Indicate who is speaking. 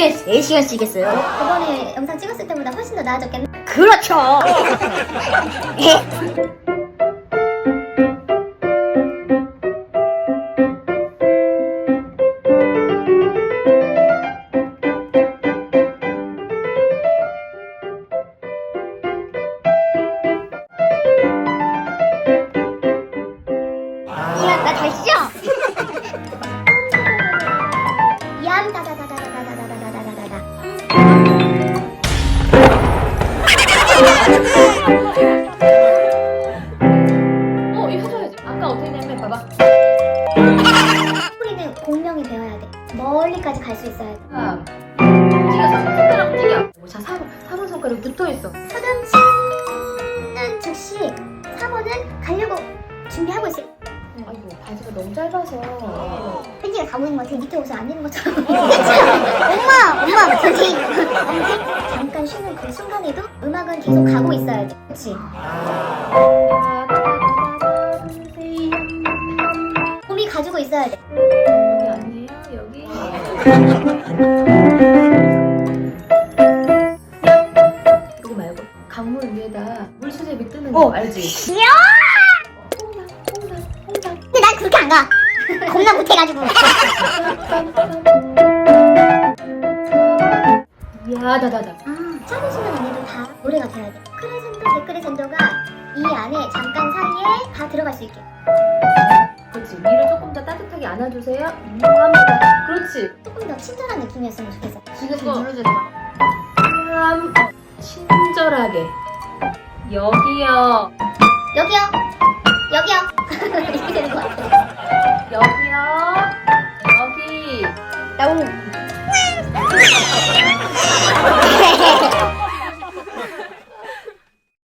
Speaker 1: 하루에 3시간 쓰겠어요?
Speaker 2: 저번에 영상 찍었을 때보다 훨씬 더 나아졌겠네.
Speaker 1: 그렇죠.
Speaker 2: 이안 나 다시죠? 이안 다다다다다다다다다다다다.
Speaker 3: 이거 해줘야지. 아까 어떻게 했냐면 봐봐.
Speaker 2: 소리는 공명이 되어야 돼. 멀리까지 갈 수 있어야 돼.
Speaker 3: 네가 3번 손가락 움직여. 자, 4번 손가락 붙어있어.
Speaker 2: 서점 치는 즉시 4번은 가려고 준비하고 있어.
Speaker 3: 아이고, 바지가 너무 짧아서.
Speaker 2: 팬티가 다 보이는 것 같아. 밑에 옷을 안 입는 것처럼. 엄마, 저기. 잠깐 쉬는 그 순간에도 음악은 계속 가고 있어야 돼. 그치? 몸이 가지고 있어야 돼.
Speaker 3: 여기 아니에요? 여기. 그거 말고 강물 위에다 물수제비 뜨는 거 알지? 홍당.
Speaker 2: 근데 난 그렇게 안 가. 겁나 못해가지고.
Speaker 3: 야다다다.
Speaker 2: 짧은 시간 안에도 다 노래가 돼야 돼. 크레센도, 데크레센도가 이 안에 잠깐 사이에 다 들어갈 수 있게.
Speaker 3: 그렇지. 위를 조금 더 따뜻하게 안아주세요. 합니다. 그렇지.
Speaker 2: 조금 더 친절한 느낌이었으면 좋겠어.
Speaker 3: 지금 눌러주지 마. 친절하게. 여기요.
Speaker 2: 여기요. 이렇게 되는 것 같아.
Speaker 3: 여기요. 여기.
Speaker 2: 나오.